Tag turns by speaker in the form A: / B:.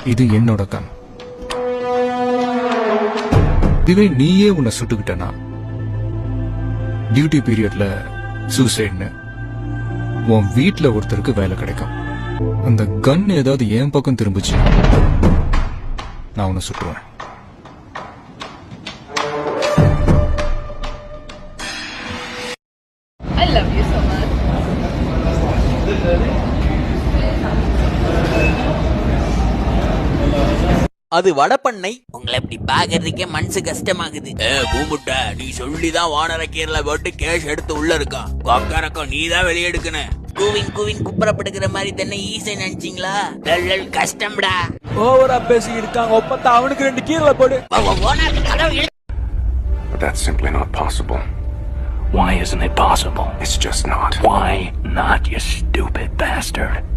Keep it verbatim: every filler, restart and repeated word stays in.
A: இது என்னோட கண். இதுவே நீயே உன்னை சுட்டுக்கிட்டனா டியூட்டி பீரியட்ல சூசைட்னு உன் வீட்டுல ஒருத்தருக்கு வேலை கிடைக்கும். அந்த கன் ஏதாவது என் பக்கம் திரும்பிச்சு நான் உன்னை சுட்டுவேன்.
B: I love you so much.
C: அது வடப்பண்ணை. உங்களை இப்படி பாக்குறதுக்கே மனசு கஷ்டமாகுது. ஏ கூமுட்ட, நீ சொல்லிதான் வானரக்கீரல போட்டு கேஷ் எடுத்து உள்ள இருக்கான். கொக்கரக்கம் நீ தான் வெளியே எடுக்கணும். கூவின் கூவின் குப்புறப்படுக்கிற மாதிரி தானே ஈஸை நினைச்சீங்களா? கஷ்டம்டா. ஓவரா பேசி இருக்காங்க. ஒப்பந்தா அவனுக்கு ரெண்டு கீரல போடு.
D: But that's simply not possible.
E: Why isn't it possible?
D: It's just not.
E: Why not, you stupid bastard?